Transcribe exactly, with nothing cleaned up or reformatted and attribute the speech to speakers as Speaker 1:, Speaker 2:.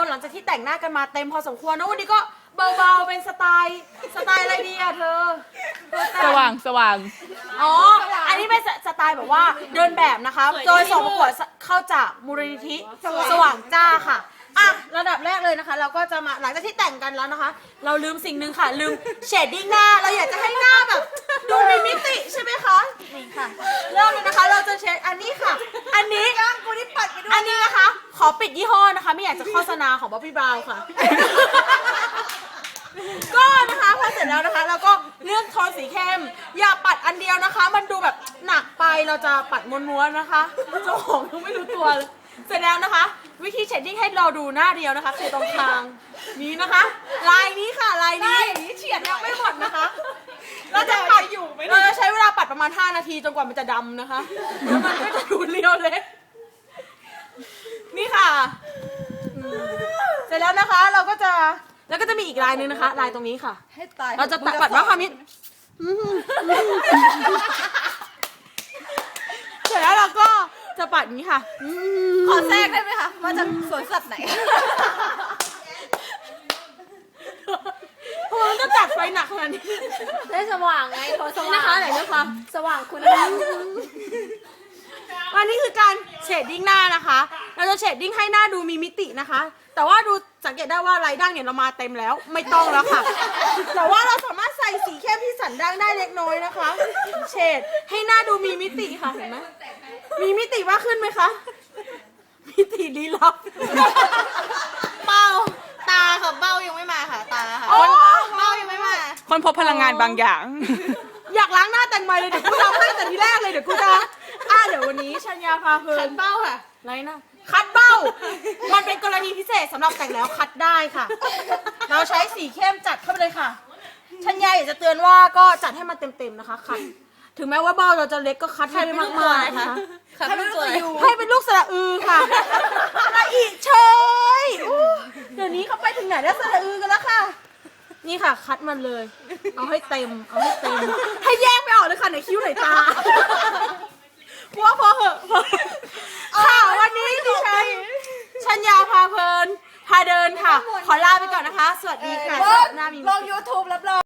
Speaker 1: หลังจากที่แต่งหน้ากันมาเต็มพอสมควรนะวันนี้ก็เบาๆเป็นสไตล์สไตล์อะไรดีอะเธอ
Speaker 2: สว่างสว่าง
Speaker 1: อ๋ออันนี้เป็นสไตล์แบบว่าเดินแบบนะคะโดยส่งประกวดเข้าจากมูลนิธิสว่างจ้าค่ะอ่ะระดับแรกเลยนะคะ เราก็จะมาหลังจากที่แต่งกันแล้วนะคะ เราลืมสิ่งหนึ่งค่ะลืมเชดดิ้งหน้าเราอยากจะให้หน้าแบบดูมีมิติใช่ไหมคะนี่ค่ะเริ่มเลยนะคะเราจะเช็ดอันนี้ค่ะ อันนี้กูนี่ปัดไปด้วยอันนี้นะคะ ขอปิดยี่ห้อนะคะ ไม่อยากจะโฆษณาของบ๊อบบี้บราวน์ค่ะ ก็นะคะพอเสร็จแล้วนะคะเราก็เลือกโทนสีเข้มอย่าปัดอันเดียวนะคะ มันดูแบบหนักไปเราจะปัดม้วนๆนะคะเจ้าของยังไม่รู้ตัวเลยเสร็จแล้วนะคะ วิธีเชดดิ้งให้เราดูหน้าเดียวนะคะคือตรงกลางนี้นะคะ ลายนี้ค่ะลายนี้เฉียดยังไม่หมดนะคะเราจะปัดอยู่เราจะใช้เวลาปัดประมาณห้านาทีจนกว่ามันจะดำนะคะแล้วมันก็จะดูเรียวเลยนี่ค่ะเสร็จแล้วนะคะเราก็จะแล้วก็จะมีอีกลายหนึ่งนะคะลายตรงนี้ค่ะให้ตายเราจะตัดปัดว่าความนี้เสร็จแล้วเราก็จะปัดอย่างนี้ค่ะขอแทรกได้ไหมคะมาจากสวนสัตว์ไหนทำไมมันต้องจัดไฟหนักขนาดนี้
Speaker 3: ได้สว่างไงโทนสว่าง
Speaker 1: นะคะไหนนะคะ
Speaker 3: สว่างคุณ
Speaker 1: วันนี้คือการเชดดิ้งหน้านะคะเราจะเชดดิ้งให้หน้าดูมีมิตินะคะแต่ว่าดูสังเกตได้ว่าลายด่างเนี่ยเรามาเต็มแล้วไม่ต้องแล้วค่ะแต่ว่าเราสามารถใส่สีเข้มที่สันด่างได้เล็กน้อยนะคะเฉดให้หน้าดูมีมิติค่ะเห็นไหมมีมิติมากขึ้นไหมคะมิติลี้ลับเป้าตาค่ะเป้ายังไม่มาค่ะตาค่ะเป้ายังไม่มา
Speaker 2: คนพบพลังงานบางอย่าง
Speaker 1: อยากล้างหน้าแต่งใหม่เลยเดี๋ยวกูทำให้แต่ทีแรกเลยเดี๋ยวกูจะอ่ะเดี๋ยววันนี้ชัญญาพาเพลินคัดเบ้าค่ะไรนะคัดเบ้ามันเป็นกรณีพิเศษสำหรับแต่งแล้วคัดได้ค่ะ เราใช้สีเข้มจัดเข้าไปเลยค่ะชัญญาอยากจะเตือนว่าก็จัดให้มันเต็มๆนะคะคัดถึงแม้ว่าเบ้าเราจะเล็กก็คัดให้ได้มากๆนะคะให้เป็นลูกสระอูให้เป็นลูกสระอือค่ะสระอีเชยเดี๋ยวนี้เขาไปถึงไหนแล้วสระอือกันแล้วค่ะนี่ค่ะคัดมันเลยเอาให้เต็มเอาให้เต็มให้แยกไม่ออกเลยค่ะไหนคิ้วไหนตาว่าพอเหอะค่ะวันนี้ดิฉันชัญญาพาเพลินพาเดินค่ะขอลาไปก่อนนะคะสวัสดีค่ะหน้ามี
Speaker 3: ลง ยูทูบ รับรอง